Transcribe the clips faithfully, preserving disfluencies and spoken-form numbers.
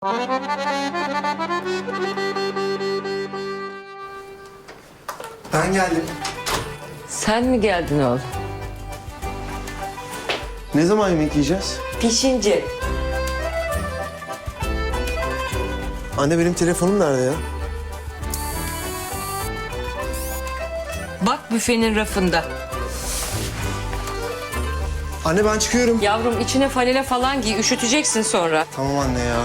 Ben geldim. Sen mi geldin oğlum? Ne zaman yemek yiyeceğiz? Pişince. Anne benim telefonum nerede ya? Bak büfenin rafında. Anne ben çıkıyorum. Yavrum içine falele falan giy, üşüteceksin sonra. Tamam anne ya.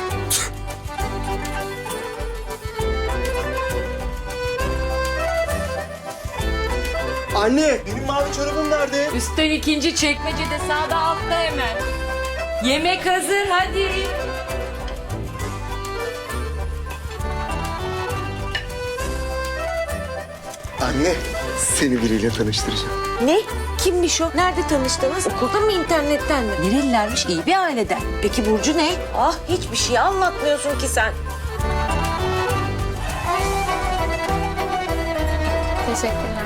Anne benim mavi çorabım nerede? Üstten ikinci çekmecede sağda altta hemen. Yemek hazır hadi. Anne seni biriyle tanıştıracağım. Ne? Kimmiş o? Nerede tanıştınız? Okulda mı, internetten mi? Nerelilermiş? İyi bir aileden. Peki Burcu ne? Ah, hiçbir şey anlatmıyorsun ki sen. Teşekkürler.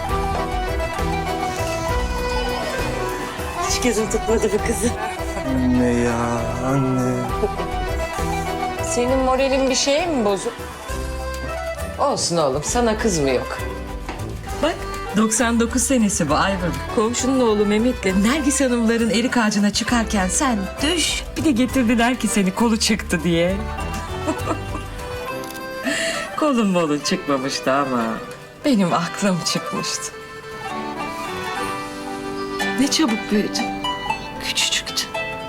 Hiç gözüm tutmadı bu kızı. Anne ya anne. Senin moralin bir şeye mi bozuk? Olsun oğlum, sana kız mı yok? Bak, doksan dokuz senesi bu Ayvın. Komşunun oğlu Mehmet'le Nergis Hanımların erik ağacına çıkarken sen düş. Bir de getirdiler ki seni kolu çıktı diye. Kolun molun çıkmamıştı ama benim aklım çıkmıştı. Ne çabuk büyüdün. Küçücüktün.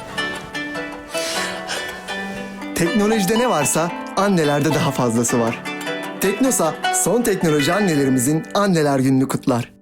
Teknolojide ne varsa annelerde daha fazlası var. Teknosa son teknoloji annelerimizin anneler gününü kutlar.